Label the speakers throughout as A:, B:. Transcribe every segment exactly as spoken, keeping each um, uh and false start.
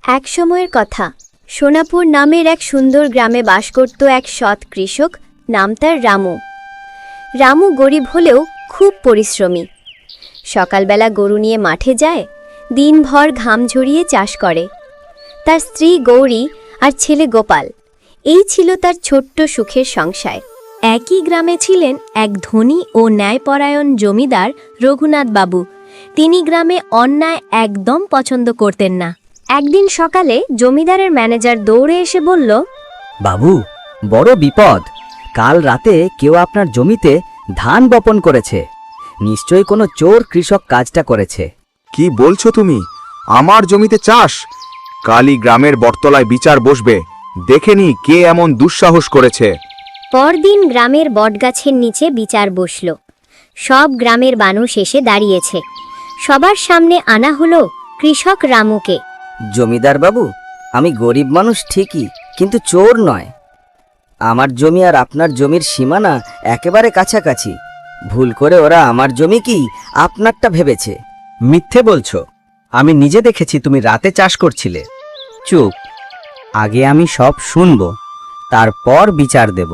A: এক সময়ের কথা, সোনাপুর নামের এক সুন্দর গ্রামে বাস করত এক সৎ কৃষক, নাম তার রামু। রামু গরিব হলেও খুব পরিশ্রমী। সকালবেলা গরু নিয়ে মাঠে যায়, দিনভর ঘাম ঝরিয়ে চাষ করে। তার স্ত্রী গৌরী আর ছেলে গোপাল, এই ছিল তার ছোট্ট সুখের সংসার। একই গ্রামে ছিলেন এক ধনী ও ন্যায়পরায়ণ জমিদার রঘুনাথ বাবু। তিনি গ্রামে অন্যায় একদম পছন্দ করতেন না। একদিন সকালে জমিদারের ম্যানেজার দৌড়ে এসে বলল,
B: বাবু, বড় বিপদ। কাল রাতে কেউ আপনার জমিতে ধান বপন করেছে। নিশ্চয়ই কোনো চোর কৃষক কাজটা করেছে।
C: কি বলছো তুমি? আমার জমিতে চাষ? কালই গ্রামের বটতলায় বিচার বসবে, দেখে নি কে এমন দুঃসাহস করেছে।
A: পরদিন গ্রামের বটগাছের নিচে বিচার বসল। সব গ্রামের মানুষ এসে দাঁড়িয়েছে। সবার সামনে আনা হলো কৃষক রামুকে।
B: জমিদার বাবু, আমি গরিব মানুষ ঠিকই, কিন্তু চোর নয়। আমার জমি আর আপনার জমির সীমানা একেবারে কাছাকাছি। ভুল করে ওরা আমার জমি কি আপনারটা ভেবেছে।
D: মিথ্যে বলছো। আমি নিজে দেখেছি তুমি রাতে চাষ করছিলে।
B: চুপ, আগে আমি সব শুনব, তারপর বিচার দেব।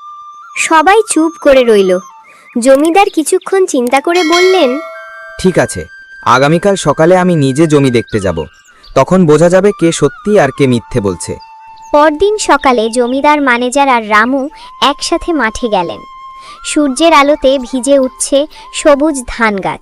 A: সবাই চুপ করে রইল। জমিদার কিছুক্ষণ চিন্তা করে বললেন,
C: ঠিক আছে, আগামীকাল সকালে আমি নিজে জমি দেখতে যাব। তখন বোঝা যাবে কে সত্যি আর কে মিথ্যে বলছে।
A: পরদিন সকালে জমিদার, ম্যানেজার আর রামু একসাথে মাঠে গেলেন। সূর্যের আলোতে ভিজে উঠছে সবুজ ধান গাছ।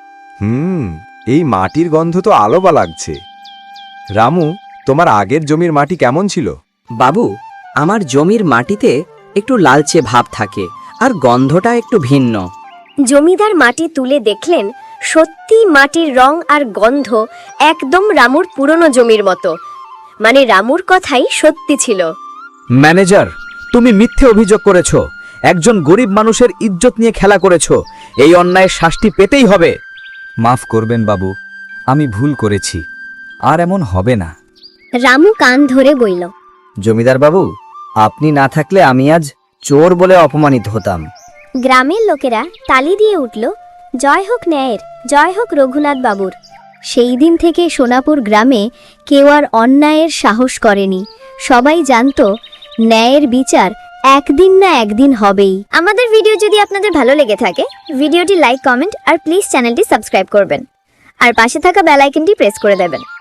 E: হুম এই মাটির গন্ধ তো আলোবা লাগছে। রামু, তোমার আগের জমির মাটি কেমন ছিল?
B: বাবু, আমার জমির মাটিতে একটু লালচে ভাব থাকে আর গন্ধটা একটু ভিন্ন।
A: জমিদার মাটি তুলে দেখলেন, সত্যি মাটির রং আর গন্ধ একদম রামুর পুরনো জমির মতো। মানে রামুর কথাই সত্যি ছিল।
D: ম্যানেজার, তুমি মিথ্যে অভিযোগ করেছো। একজন গরিব মানুষের ইজ্জত নিয়ে খেলা করেছো। এই অন্যায়ের শাস্তি পেতেই হবে।
E: মাফ করবেন বাবু, আমি ভুল করেছি, আর এমন হবে না।
A: রামু কান ধরে বলল,
B: জমিদার বাবু, আপনি না থাকলে আমি আজ চোর বলে অপমানিত হতাম।
A: গ্রামের লোকেরা তালি দিয়ে উঠল, জয় হোক ন্যায়ের, জয় হোক রঘুনাথ বাবুর। সেই দিন থেকে সোনাপুর গ্রামে কেউ আর অন্যায়ের সাহস করেনি। সবাই জানতো ন্যায়ের বিচার একদিন না একদিন হবেই। আমাদের ভিডিও যদি আপনাদের ভালো লেগে থাকে, ভিডিওটি লাইক, কমেন্ট আর প্লিজ চ্যানেলটি সাবস্ক্রাইব করবেন, আর পাশে থাকা বেল আইকনটি প্রেস করে দেবেন।